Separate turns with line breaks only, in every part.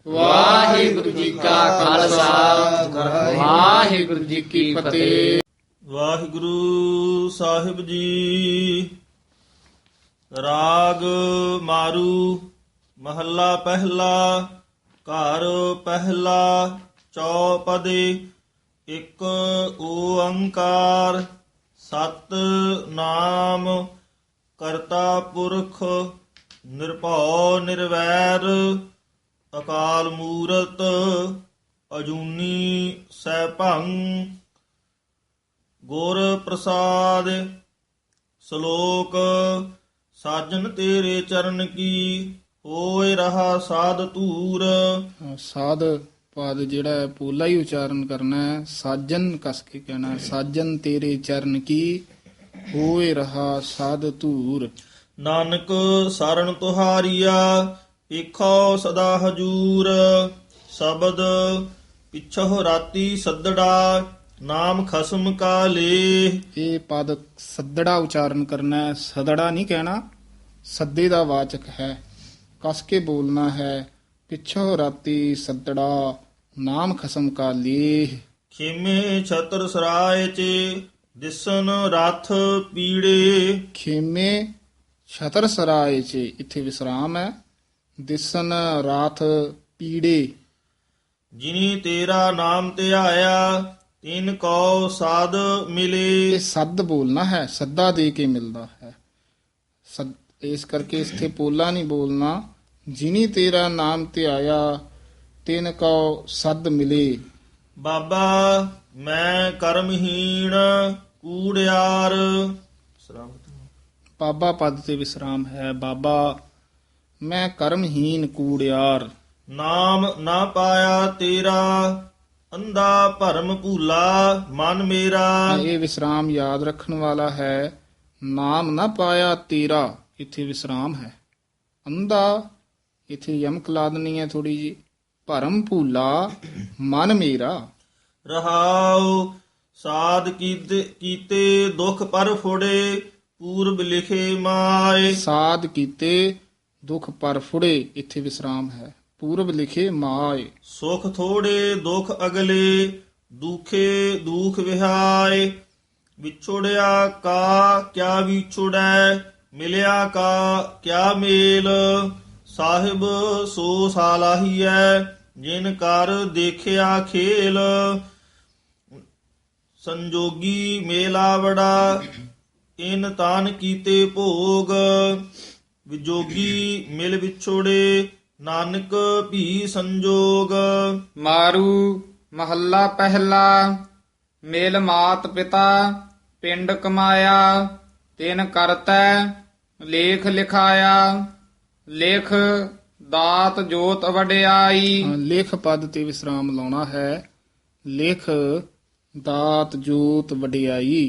ਵਾਹਿਗੁਰੂ ਜੀ ਕਾ ਖਾਲਸਾ ਵਾਹਿਗੁਰੂ ਜੀ ਕੀ ਫਤਿਹ।
ਵਾਹਿਗੁਰੂ ਸਾਹਿਬ ਜੀ। ਰਾਗ ਮਾਰੂ ਮਹੱਲਾ ਪਹਿਲਾ। ਘਰ ਪਹਿਲਾ ਚੌਪਦੇ। ਇੱਕ ਓੰਕਾਰ ਸਤ ਨਾਮ ਕਰਤਾ ਪੁਰਖ ਨਿਰਭਉ ਨਿਰਵੈਰ ਅਕਾਲ ਮੂਰਤ ਅਜੂਨੀ ਸੈਭੰ। ਗੁਰ ਪ੍ਰਸਾਦ ਸ਼ਲੋਕ। ਸਾਜਨ ਤੇਰੇ ਚਰਨ ਕੀ ਹੋਏ ਰਹਾ ਸਾਧ ਧੂਰ।
ਸਾਧ ਪਦ ਜਿਹੜਾ ਹੈ ਪੋਲਾ ਹੀ ਉਚਾਰਨ ਕਰਨਾ ਹੈ। ਸਾਜਨ ਕਸ ਕੇ ਕਹਿਣਾ ਹੈ। ਸਾਜਨ ਤੇਰੇ ਚਰਨ ਕੀ ਹੋਏ ਰਹਾ ਸਾਧ ਧੂਰ।
ਨਾਨਕ ਸਰਣ ਤੁਹਾਰੀਆ ਵੇਖੋ ਸਦਾ ਹਜੂਰ। ਸ਼ਬਦ ਪਿਛੋ ਰਾਤੀ ਸੱਦੜਾ ਨਾਮ ਖਸਮ ਕਾ ਲੇ।
ਇਹ ਪਦ ਸੱਦੜਾ ਉਚਾਰਨ ਕਰਨਾ ਹੈ, ਸਦੜਾ ਨਹੀਂ ਕਹਿਣਾ। ਸੱਦੇ ਦਾ ਵਾਚਕ ਹੈ, ਕਸ ਕੇ ਬੋਲਣਾ ਹੈ। ਪਿੱਛੋਂ ਰਾਤੀ ਸੱਦੜਾ ਨਾਮ ਖਸਮ ਕਾ ਲੇ।
ਖੇਮੇ ਛਤਰ ਸਰਾਏ ਚੇ ਦਿਸਨ ਰਥ ਪੀੜੇ।
ਖੇਮੇ ਛਤਰ ਸਰਾਏ ਚ ਇੱਥੇ ਵਿਸਰਾਮ ਹੈ। ਦਿਸਨ ਰਾਥ ਪੀੜੇ।
ਜਿਨੀ ਤੇਰਾ ਨਾਮ ਧਿਆਇਆ ਤਿਨ ਕੋ ਸਾਧ ਮਿਲੇ।
ਇਹ ਸੱਦ ਬੋਲਣਾ ਹੈ, ਸੱਦਾ ਦੇ ਕੇ ਮਿਲਦਾ ਹੈ। ਇਸ ਕਰਕੇ ਇੱਥੇ ਪੋਲਾ ਨਹੀਂ ਬੋਲਣਾ। ਜਿਨੀ ਤੇਰਾ ਨਾਮ ਧਿਆਇਆ ਤਿਨ ਕੋ ਸੱਦ ਮਿਲੇ।
ਬਾਬਾ ਮੈਂ ਕਰਮਹੀਣ ਕੂੜਿਆਰ।
ਬਾਬਾ ਪਦ ਤੇ ਵਿਸਰਾਮ ਹੈ। ਬਾਬਾ ਮੈਂ ਕਰਮਹੀਨ ਕੂੜਿਆਰ।
ਨਾਮ ਨਾ ਪਾਇਆ ਤੇਰਾ ਅੰਧਾ ਭਰਮ ਭੂਲਾ ਮਨ ਮੇਰਾ।
ਇਹ ਵਿਸਰਾਮ ਯਾਦ ਰੱਖਣ ਵਾਲਾ ਹੈ। ਨਾਮ ਨਾ ਪਾਇਆ ਤੇਰਾ ਇੱਥੇ ਵਿਸਰਾਮ ਹੈ। ਅੰਧਾ ਇੱਥੇ ਯਮਕ ਲਾ ਦੇਣੀ ਹੈ ਥੋੜੀ ਜੀ। ਭਰਮ ਭੂਲਾ ਮਨ ਮੇਰਾ।
ਰਹਾਉ ਸਾਧ ਕੀਤੇ ਦੁਖ ਪਰ ਫੋੜੇ ਪੂਰਬ ਲਿਖੇ ਮਾਏ।
ਸਾਧ ਕੀਤੇ ਦੁਖ ਪਰ ਫੁੜੇ ਇੱਥੇ ਵਿਸਰਾਮ ਹੈ। ਪੂਰਬ ਲਿਖੇ ਮਾਏ।
ਸੁਖ ਥੋੜੇ ਦੁਖ ਅਗਲੇ ਦੁਖੇ ਦੁਖ ਵਿਹਾਏ। ਵਿਛੋੜਿਆ ਕਾ ਕਿਆ ਵਿਛੋੜੈ ਮਿਲਿਆ ਕਾ ਕਿਆ ਮੇਲ। ਸਾਹਿਬ ਸੋ ਸਾਲਾਹੀਐ ਜਿਨ ਕਰ ਦੇਖਿਆ ਖੇਲ। ਸੰਜੋਗੀ ਮੇਲਾ ਬੜਾ ਇਨ ਤਾਨ ਕੀਤੇ ਭੋਗ। ਵਿਜੋਗੀ ਮਿਲ ਵਿਛੋੜੇ ਨਾਨਕ ਵੀ ਸੰਜੋਗ।
ਮਾਰੂ ਮਹੱਲਾ ਪਹਿਲਾ। ਮੇਲ ਮਾਤ ਪਿਤਾ ਪਿੰਡ ਕਮਾਇਆ ਤਿਨ ਕਰਤੈ ਲੇਖ ਲਿਖਾਇਆ। ਲਿਖ ਦਾਤ ਜੋਤ ਵਡਿਆਈ।
ਲੇਖ ਪਦ ਤੇ ਵਿਸਰਾਮ ਲਾਉਣਾ ਹੈ। ਲਿਖ ਦਾਤ ਜੋਤ ਵਡਿਆਈ।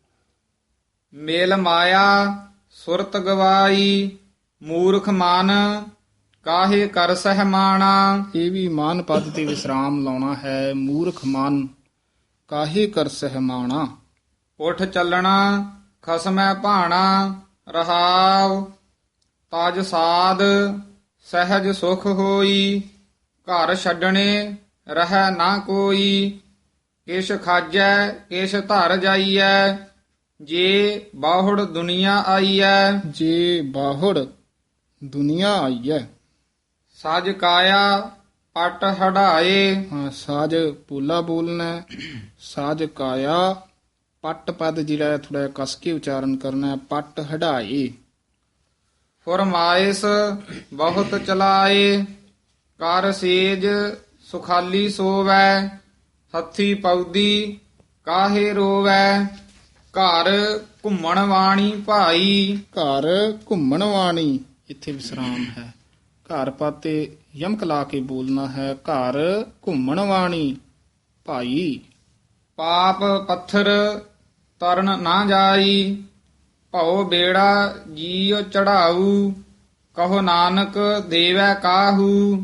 ਮੇਲ ਮਾਇਆ ਸੁਰਤ ਗਵਾਈ ਮੂਰਖ ਮਨ ਕਾਹੇ ਕਰ ਸਹਿਮਾਣਾ।
ਇਹ ਵੀ ਮਾਨ ਪਦ ਤੇ ਵਿਸਰਾਮ ਲਾਉਣਾ ਹੈ। ਮੂਰਖ ਮਨ ਕਾਹੇ ਕਰ ਸਹਿਮਾਣਾ।
ਉਠ ਚੱਲਣਾ ਖਸਮੈ ਭਾਣਾ ਰਹਾਉ। ਤਜ ਸਾਧ ਸਹਿਜ ਸੁਖ ਹੋਈ ਘਰ ਛੱਡਣੇ ਰਹਿ ਨਾ ਕੋਈ। ਕਿਛ ਖਾਜੈ ਕਿਛ ਧਰ ਜਾਈਐ ਜੇ ਬਾਹੁੜ ਦੁਨੀਆ ਆਈਐ।
ਜੇ ਬਾਹੁੜ ਦੁਨੀਆ ਆਈਐ।
ਸਜ ਕਾਇਆ ਪਟ ਹੜਾਏ।
ਹਾਂ ਸਾਜ ਪੋਲਾ ਬੋਲਣਾ ਹੈ। ਸਾਜ ਕਾਇਆ ਪੱਟ ਪਦ ਜਿਹੜਾ ਥੋੜਾ ਕਸ ਕੇ ਉਚਾਰਨ ਕਰਨਾ ਹੈ। ਪੱਟ ਹੜਾਏ।
ਫਰਮਾਇਸ ਬਹੁਤ ਚਲਾਏ ਕਰ ਸੇਜ ਸੁਖਾਲੀ ਸੋਵੈ। ਹੱਥੀ ਪੌਦੀ ਕਾਹੇ ਰੋਵੈ ਘਰ ਘੁੰਮਣ ਵਾਣੀ ਭਾਈ।
ਘਰ ਘੁੰਮਣ ਵਾਣੀ ਇੱਥੇ ਵਿਸਰਾਮ ਹੈ। ਘਰ ਪਾਤੇ ਯਮਕ ਲਾ ਕੇ ਬੋਲਣਾ ਹੈ। ਘਰ ਘੁੰਮਣ ਵਾਣੀ ਭਾਈ।
ਪਾਪ ਪੱਥਰ ਤਰਨ ਨਾ ਜਾਈ ਭਉ ਬੇੜਾ ਜੀਉ ਚੜਾਊ। ਕਹੋ ਨਾਨਕ ਦੇਵੈ ਕਾਹੂ।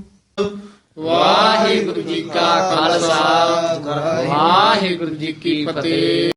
ਵਾਹਿਗੁਰੂ ਜੀ ਕਾ ਖਾਲਸਾ ਵਾਹਿਗੁਰੂ ਜੀ ਕੀ ਫਤਿਹ।